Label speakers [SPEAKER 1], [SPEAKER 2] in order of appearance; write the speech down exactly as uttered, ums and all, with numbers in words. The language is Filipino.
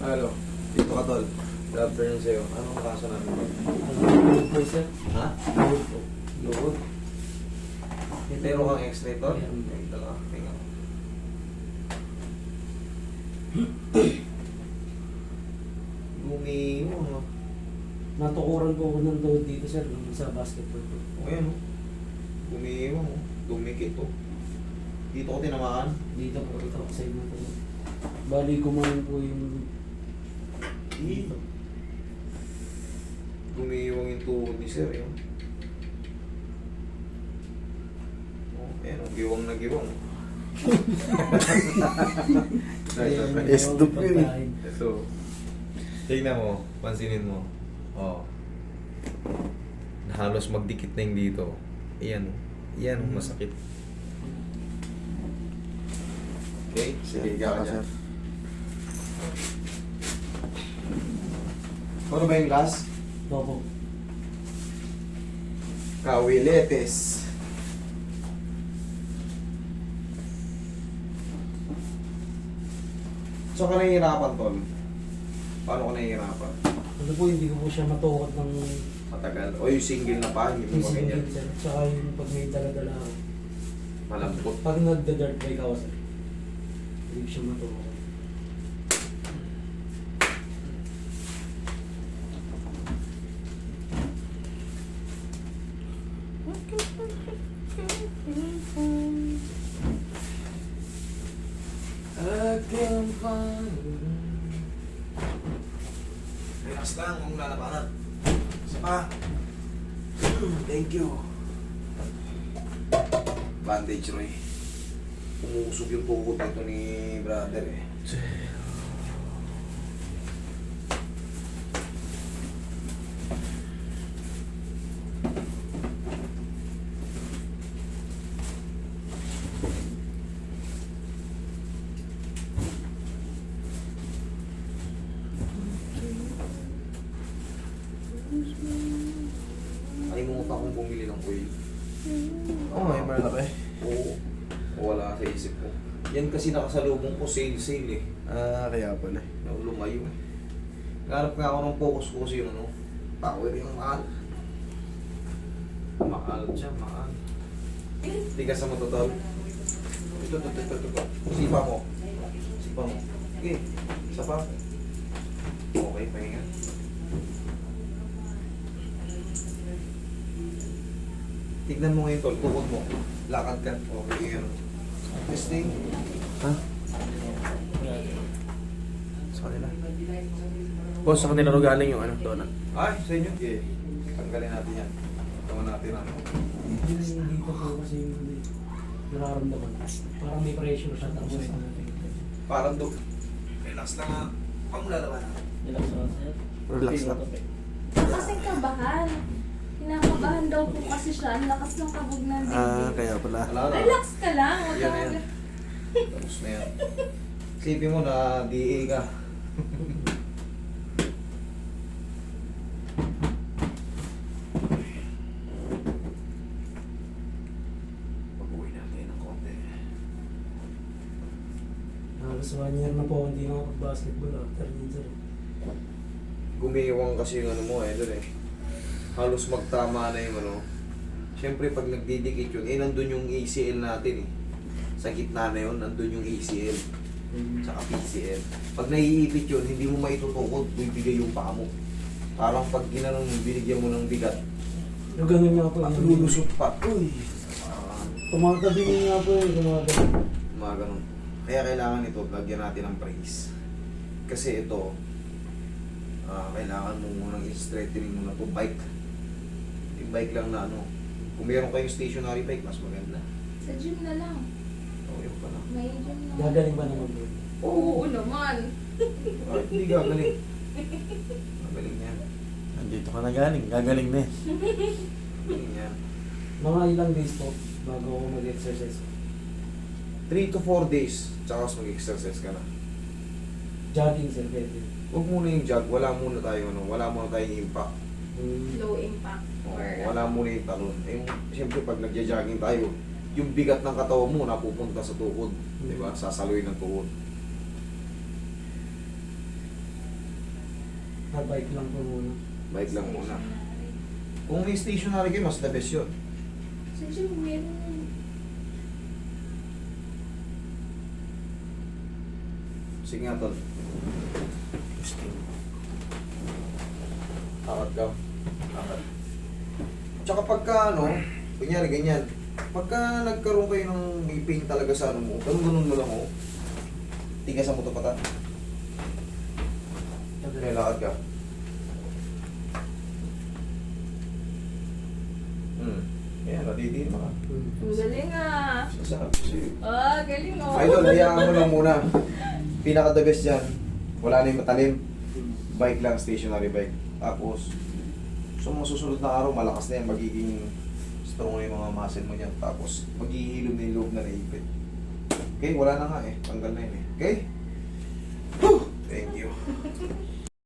[SPEAKER 1] Hello. Dito ka, tol. Good afternoon sa'yo. Anong kaso namin?
[SPEAKER 2] Load po, sir.
[SPEAKER 1] Ha?
[SPEAKER 2] Load po.
[SPEAKER 1] Load?
[SPEAKER 2] Ito
[SPEAKER 1] Meron
[SPEAKER 2] po.
[SPEAKER 1] kang x-ray, tol?
[SPEAKER 2] Meron.
[SPEAKER 1] Ito ka. Tingnan. Lumiyo, no?
[SPEAKER 2] Natukuran po ako ng load dito, sir, nung sa basketball po.
[SPEAKER 1] O yan, no? Lumiyo, no? Dumikit, to. Dito ko tinamaan.
[SPEAKER 2] Dito po, ito, side na po. Bali, kumain po yung dito.
[SPEAKER 1] Gumiiwang yung tuhod ni sir, yun. Oh, ayan, oh, giwang na giwang.
[SPEAKER 2] Stop yun eh.
[SPEAKER 1] So, tingnan mo, pansinin mo. Oh. Halos magdikit na yung dito. Iyan, iyan, masakit. Okay, sige, higa ka dyan. Ano ba yung last?
[SPEAKER 2] Opo.
[SPEAKER 1] Kawiletes. So, ka nahihirapan, tol? Paano ka nahihirapan?
[SPEAKER 2] Ano po, hindi ko po siya matukot ng
[SPEAKER 1] Matagal. O yung single na pa, hindi mo
[SPEAKER 2] physical
[SPEAKER 1] ganyan.
[SPEAKER 2] din, sir. Tsaka yung pag may dala-dala ako.
[SPEAKER 1] Malambot.
[SPEAKER 2] Pag nagda-dirt bike ako, sir, hindi ko siya matukot.
[SPEAKER 1] I can find. Relax lang, huwag lalabanan. Isa pa. Thank you. Bandage, Roy. Umusog yung tuhod nito ni brother eh. Kalimutan kong bumili ng oil.
[SPEAKER 3] Oo, may malaki.
[SPEAKER 1] Oo. Wala sa isip ko. Yan kasi nakasalubong ko, sale-sale eh.
[SPEAKER 3] Ah, kaya pala.
[SPEAKER 1] Na lumayo eh. Naghanap nga ako ng focus ko kasi yung ano, power yung mahal. Mahal siya, mahal. Tigas sa matotol. Ito, ito, ito, ito, ito. Sipa mo. Sipa mo. Okay, isa pa. Okay, pahinga. Tignan mo ngayon, tol. Tukod mo. Lakad ka. Okay, ano. Testing.
[SPEAKER 3] Ha? Sa kanila. Boss, sa kanila ro galing yung ano, donut.
[SPEAKER 1] Ay, sa inyo. Okay. Tanggalin natin yan. Tawag natin ano.
[SPEAKER 2] Yung dito po kasi yung nararamdaman. Parang may pressure siya tapos
[SPEAKER 1] Parang do. Relax lang ha. Pang lalaban.
[SPEAKER 2] relax lang, sir.
[SPEAKER 3] Relax lang.
[SPEAKER 4] Kasi kabahan. Kinakabahan daw po kasi siya. Ang lakas ng kabog ng dibdib.
[SPEAKER 3] Ah, kaya pala.
[SPEAKER 1] Wala na.
[SPEAKER 4] Relax ka lang. Huwag
[SPEAKER 1] Yan
[SPEAKER 4] ka
[SPEAKER 1] na yan.
[SPEAKER 4] mag-
[SPEAKER 1] Tapos na yan. Isipin mo na D A ka. Pag-uwi natin ng konti.
[SPEAKER 2] Halos one year na po hindi na ako basketball after yun, sir.
[SPEAKER 1] Gumiiwang kasi yung ano mo eh, doon eh. Halos magtama na yung ano. Siyempre pag nagdidikit yun, eh nandun yung A C L natin eh. Sa gitna na yun, nandun yung A C L. Tsaka P C L. Pag naiipit yun, hindi mo maitutukod, bibigay yung paa mo. Parang pag ginanong binigyan mo ng bigat,
[SPEAKER 2] Yung ganun nga po.
[SPEAKER 1] at
[SPEAKER 2] yun.
[SPEAKER 1] lulusot pa. Uy! Ah,
[SPEAKER 2] Tumatabi nga po yun. Tumatabi.
[SPEAKER 1] mga ganun. Kaya kailangan ito, lagyan natin ng brace. Kasi ito, ah, kailangan mo munang i-straightening mo na ito, bike. Yung bike lang na ano. Kung meron kayong stationary bike, mas maganda.
[SPEAKER 4] Sa gym na lang.
[SPEAKER 1] O, yun pala.
[SPEAKER 4] May gym na.
[SPEAKER 2] Gagaling ba naman yun?
[SPEAKER 4] Oo naman.
[SPEAKER 1] Ay, hindi gagaling. Gagaling yan.
[SPEAKER 3] Nandito ka na galing. Gagaling na eh.
[SPEAKER 1] Gagaling yan.
[SPEAKER 2] Mga ilang days po bago ako mag-exercise.
[SPEAKER 1] three to four days, tsaka mas mag-exercise ka na.
[SPEAKER 2] Jogging, sir, pwede.
[SPEAKER 1] Huwag muna yung jog, wala muna tayong ano, wala muna tayong impact.
[SPEAKER 2] Hmm.
[SPEAKER 4] Low impact.
[SPEAKER 1] Oo,
[SPEAKER 4] Or,
[SPEAKER 1] wala muna yung talon. Eh, yung, siyempre pag nagja-jogging tayo, yung bigat ng katawan mo napupunta sa tuhod. Di ba? Sasaluin ng tuhod.
[SPEAKER 2] Nabike lang po muna.
[SPEAKER 1] Bike lang muna. Kung may stationary kayo, mas the best yun.
[SPEAKER 4] Sa gym, meron.
[SPEAKER 1] Sige nga, tol. Akad ka. Akad. Tsaka pagka ano, kunyari ganyan, pagka nagkaroon kayo ng may pain talaga sa ano mo, ganun-ganun mo lang mo, tigasan mo ito pata. Kaya lakad ka. Hmm. Yan, natitiin mo ka.
[SPEAKER 2] Hmm.
[SPEAKER 4] Ang galing ah.
[SPEAKER 1] Sasarap. Sige.
[SPEAKER 4] Ah, galing oh.
[SPEAKER 1] Idol, hayaan mo lang muna. Pinaka the best dyan. Wala na yung matalim. Bike lang, stationary bike. Tapos, sa mga susunod na araw, malakas na yan. Magiging strong na yung mga muscle mo dyan. Tapos, maghihilom na yung loob na naipit. Okay, wala na nga eh. Tanggal na yun eh. Okay? Whew! Thank you.